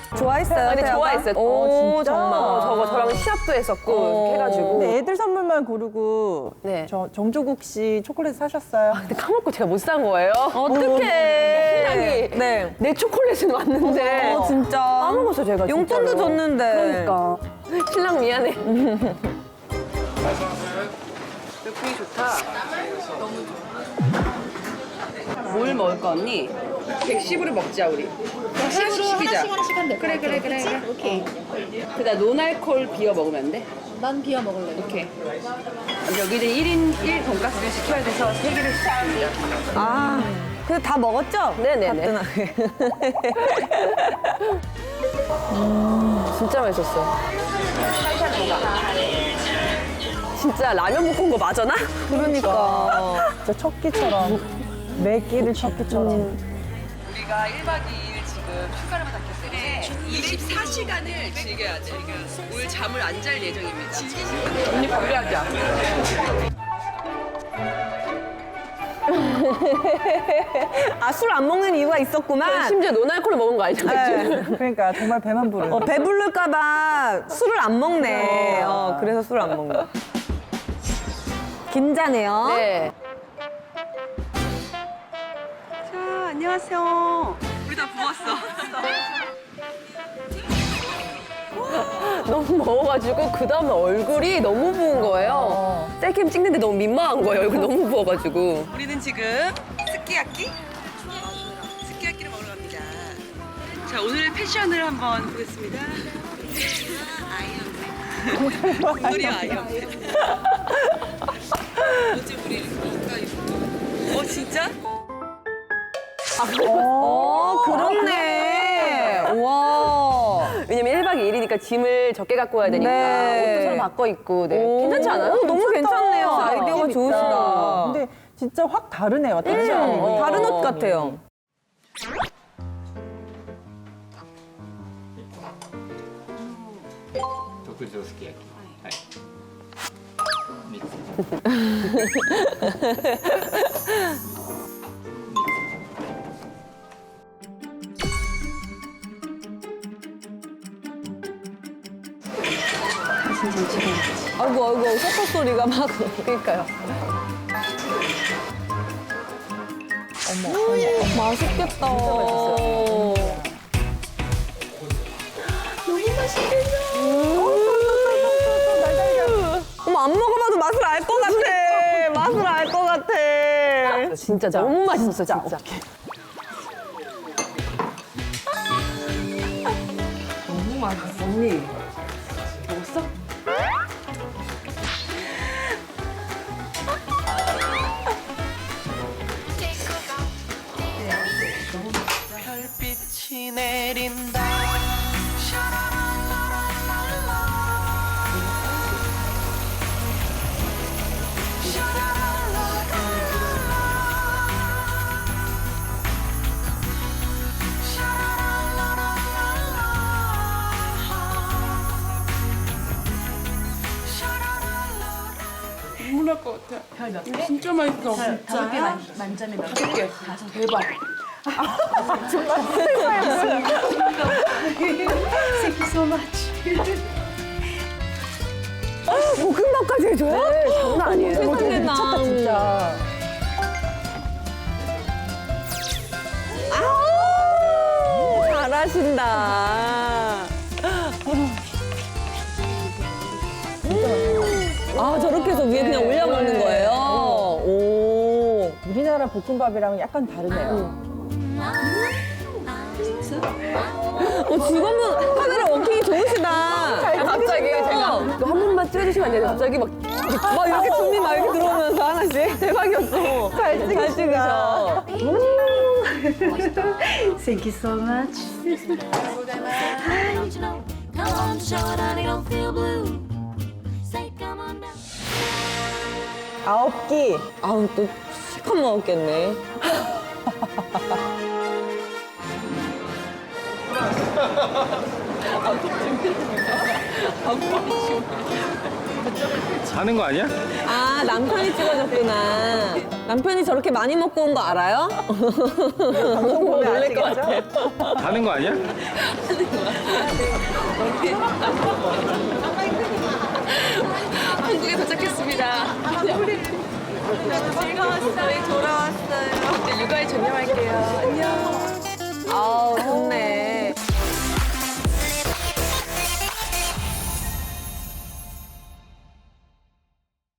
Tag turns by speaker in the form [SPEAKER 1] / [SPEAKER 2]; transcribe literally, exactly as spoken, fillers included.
[SPEAKER 1] 좋아했어요.
[SPEAKER 2] 아, 근데
[SPEAKER 1] 태아가?
[SPEAKER 2] 좋아했어요.
[SPEAKER 1] 오,
[SPEAKER 2] 진짜?
[SPEAKER 1] 정말.
[SPEAKER 2] 어, 저거 저랑 시합도 했었고 이렇게 해가지고.
[SPEAKER 3] 근데 애들 선물만 고르고
[SPEAKER 2] 네.
[SPEAKER 3] 저 정조국 씨 초콜릿 사셨어요?
[SPEAKER 2] 근데 까먹고 제가 못 산 거예요.
[SPEAKER 1] 어떡해.
[SPEAKER 2] 신랑이
[SPEAKER 1] 네.
[SPEAKER 2] 내 초콜릿은 왔는데
[SPEAKER 1] 어, 진짜.
[SPEAKER 2] 까먹었어 제가.
[SPEAKER 1] 용돈도
[SPEAKER 2] 진짜로.
[SPEAKER 1] 줬는데.
[SPEAKER 2] 그러니까 신랑 미안해. 분위기 좋다. 뭘 먹을까 언니? 백십으로 먹자 우리. 백십으로 시키자.
[SPEAKER 4] 하나씩 하나씩 한대.
[SPEAKER 2] 그래 그래 그래. 그래.
[SPEAKER 4] 오케이.
[SPEAKER 2] 그다음 노날콜 비어 먹으면 안 돼?
[SPEAKER 4] 난 비어 먹을래.
[SPEAKER 2] 오케이. 여기는 일 인 일 돈가스를 시켜야 돼서 세 개를 시켰습니다.
[SPEAKER 1] 아, 근데 다 먹었죠?
[SPEAKER 2] 네네네.
[SPEAKER 1] 가뜩하게.
[SPEAKER 2] 진짜 맛있었어. 진짜 라면 볶은 거 맞아나?
[SPEAKER 1] 그러니까.
[SPEAKER 3] 진짜 첫끼처럼 매 끼를 첫끼처럼.
[SPEAKER 2] 우리가 일 박 이 일 지금 휴가를 받았기 때문에 이십사 시간을 즐겨야 돼. 오늘 잠을 안 잘 예정입니다. 언니 관리하자.
[SPEAKER 1] 아, 술 안 먹는 이유가 있었구만.
[SPEAKER 2] 심지어 노날콜을 먹은 거 알죠?
[SPEAKER 1] 네.
[SPEAKER 3] 그러니까 정말 배만 부르는.
[SPEAKER 1] 어, 배부를까봐 술을 안 먹네. 어, 그래서 술을 안 먹는 거. 긴자네요.
[SPEAKER 2] 네. 자, 안녕하세요. 우리 다 부었어. 너무 먹어가지고 그 다음날 얼굴이 너무 부은 거예요. 셀캠 찍는데 너무 민망한 거예요. 얼굴 너무 부어가지고. 우리는 지금 스키야키? 스키야키를 먹으러 갑니다. 자, 오늘의 패션을 한번 보겠습니다. 아이언맨. 우리 아이언맨. 어제 우리 이거 어, 진짜?
[SPEAKER 1] 어, 그렇네. 와.
[SPEAKER 2] 왜냐면 일 박 이 일이니까 짐을 적게 갖고 와야 되니까
[SPEAKER 1] 네.
[SPEAKER 2] 옷도 서로 바꿔 입고 네.
[SPEAKER 1] 오,
[SPEAKER 2] 괜찮지 않아요?
[SPEAKER 1] 너무 괜찮네요.
[SPEAKER 3] 괜찮다.
[SPEAKER 1] 아이디어가
[SPEAKER 3] 느낌
[SPEAKER 1] 좋으시다.
[SPEAKER 3] 있다. 근데 진짜 확 다르네요. 다른
[SPEAKER 1] 음,
[SPEAKER 3] 어,
[SPEAKER 1] 다른 옷 같아요.
[SPEAKER 5] 特上すき焼き。はい。ミックス。
[SPEAKER 1] 아이고, 아이고, 소파 소리가 막.
[SPEAKER 2] 그러니까요.
[SPEAKER 1] 어머, 맛있겠다. 너무 맛있겠다. 어머, 안 먹어봐도 맛을 알 것 같아. 맛을 알 것 같아.
[SPEAKER 2] 진짜, 너무 맛있었어, 진짜. 너무 맛있어. 언니, 먹었어?
[SPEAKER 6] 별빛이 내린다.
[SPEAKER 7] 눈물 날 것 같아. 이거 진짜 맛있어.
[SPEAKER 4] 다섯 개 만, 만점에 몇
[SPEAKER 7] 다섯 개. 대박.
[SPEAKER 4] Thank you so much.
[SPEAKER 1] 볶음밥까지 해줘요?
[SPEAKER 2] 네, 장난 아니에요.
[SPEAKER 1] 세상에,
[SPEAKER 3] 미쳤다 진짜.
[SPEAKER 1] 아우, 잘하신다. 아, 저렇게 해서 위에 그냥 올려 먹는 거예요? 오.
[SPEAKER 3] 우리나라 볶음밥이랑은 약간 다르네요.
[SPEAKER 1] 어, 직원분 카메라 워킹이 좋으시다.
[SPEAKER 2] 갑자기 제가 이거 한 번만 찍어주시면 안 돼요? 갑자기 막
[SPEAKER 1] 막 이렇게 준비 막 이렇게 들어오면서 하나씩. 대박이었어. 잘 찍으셔.
[SPEAKER 4] Thank you so much.
[SPEAKER 8] Come on, show it, honey, don't feel blue. Say, come on down.
[SPEAKER 3] 아홉 끼.
[SPEAKER 1] 아우, 또 실컷 먹었겠네.
[SPEAKER 5] 하는 거 아니야?
[SPEAKER 1] 아, 남편이 찍어줬구나. 남편이 저렇게 많이 먹고 온 거 알아요?
[SPEAKER 3] 방송 보면
[SPEAKER 1] 놀랄 것
[SPEAKER 3] 아시겠죠?
[SPEAKER 5] 가는 거 아니야?
[SPEAKER 2] 한국에 도착했습니다. 즐거웠어요. 돌아왔어요. 이제 육아에 전념할게요. 안녕.